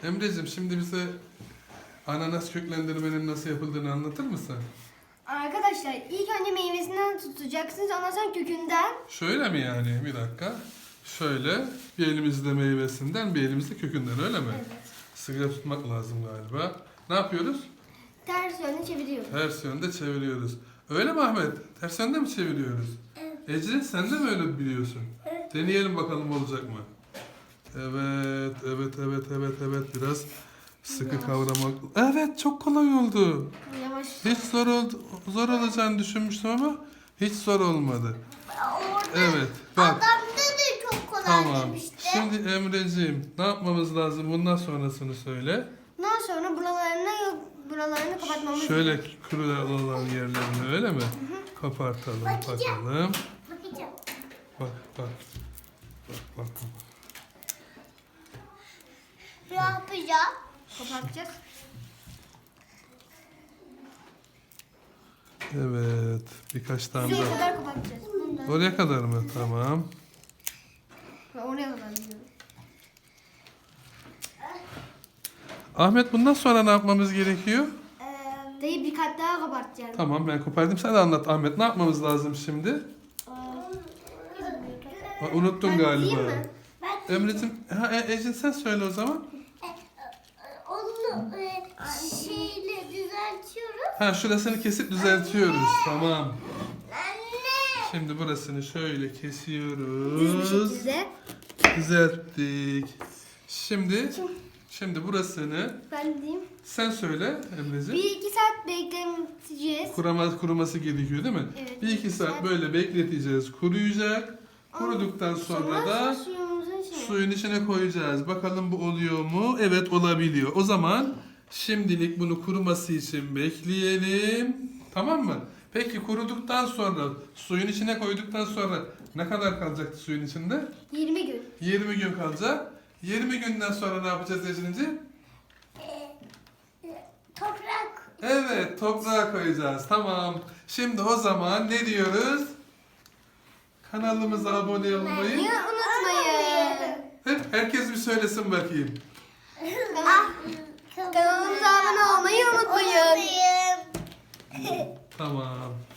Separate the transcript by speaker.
Speaker 1: Emre'cim şimdi bize ananas köklendirmenin nasıl yapıldığını anlatır mısın?
Speaker 2: Arkadaşlar ilk önce meyvesinden tutacaksınız, ondan sonra kökünden.
Speaker 1: Şöyle mi yani? Bir dakika. Şöyle bir elimizde meyvesinden bir elimizde kökünden öyle mi?
Speaker 2: Evet.
Speaker 1: Sıkı tutmak lazım galiba. Ne yapıyoruz?
Speaker 2: Ters yönde çeviriyoruz.
Speaker 1: Ters yönde çeviriyoruz. Öyle mi Ahmet? Ters yönde mi çeviriyoruz?
Speaker 2: Evet.
Speaker 1: Ece sen de mi öyle biliyorsun?
Speaker 2: Evet.
Speaker 1: Deneyelim bakalım olacak mı? Evet. Biraz sıkı kavramak. Evet, çok kolay oldu.
Speaker 2: Yavaş.
Speaker 1: Hiç zor olacağını düşünmüştüm ama hiç zor olmadı. Evet, bak.
Speaker 3: Adamda da çok kolay
Speaker 1: Tamam.
Speaker 3: demişti.
Speaker 1: Şimdi Emreciğim, ne yapmamız lazım? Bundan sonrasını söyle.
Speaker 2: Ondan sonra buralarını kapatmamız
Speaker 1: Şöyle kuru olan yerlerini öyle mi? Kapartalım,
Speaker 3: Bakacağım.
Speaker 1: bakalım.
Speaker 3: Bakacağım.
Speaker 1: Bak.
Speaker 3: Ne yapacağım?
Speaker 2: kapatacağız.
Speaker 1: Evet, birkaç tane
Speaker 2: Şuraya
Speaker 1: daha.
Speaker 2: kadar kapatacağız. Bundan.
Speaker 1: Oraya kadar mı? Tamam.
Speaker 2: Oraya kadar diyorum.
Speaker 1: Ahmet, bundan sonra ne yapmamız gerekiyor?
Speaker 2: Dayı bir kat daha kapatacağız.
Speaker 1: Tamam, ben kopardım. Sen de anlat Ahmet. Ne yapmamız lazım şimdi? Unuttun
Speaker 2: Ben
Speaker 1: galiba.
Speaker 2: diyeyim mi?
Speaker 3: Ben
Speaker 1: Emre'cim, Ecin sen söyle o zaman.
Speaker 3: onu şeyle düzeltiyorum.
Speaker 1: Ha, şurasını kesip düzeltiyoruz. Tamam.
Speaker 3: Anne.
Speaker 1: Şimdi burasını şöyle
Speaker 2: Düz bir
Speaker 1: kesiyoruz.
Speaker 2: şekilde.
Speaker 1: Düzelttik. Şimdi burasını
Speaker 2: Ben diyeyim.
Speaker 1: sen söyle Emre'cim.
Speaker 2: 1-2 saat bekleteceğiz.
Speaker 1: Kuruması gerekiyor değil mi?
Speaker 2: Evet,
Speaker 1: 1-2 saat böyle bekleteceğiz. Kuruyacak. Kuruduktan sonra da
Speaker 2: suyumuzun içine.
Speaker 1: suyun içine koyacağız. Bakalım bu oluyor mu? Evet, olabiliyor. O zaman şimdilik bunu kuruması için bekleyelim. Tamam mı? Peki kuruduktan sonra suyun içine koyduktan sonra ne kadar kalacaktı suyun içinde?
Speaker 2: 20 gün.
Speaker 1: 20 gün kalacak. 20 günden sonra ne yapacağız Ece'ciğim?
Speaker 3: Toprak.
Speaker 1: Evet, toprağa koyacağız. Tamam. Şimdi o zaman ne diyoruz? Kanalımıza abone olmayı.
Speaker 2: Niye unutmayın.
Speaker 1: Herkes bir söylesin bakayım.
Speaker 2: Kanalımıza abone olmayı unutmayın.
Speaker 3: Unutmayın.
Speaker 1: Tamam.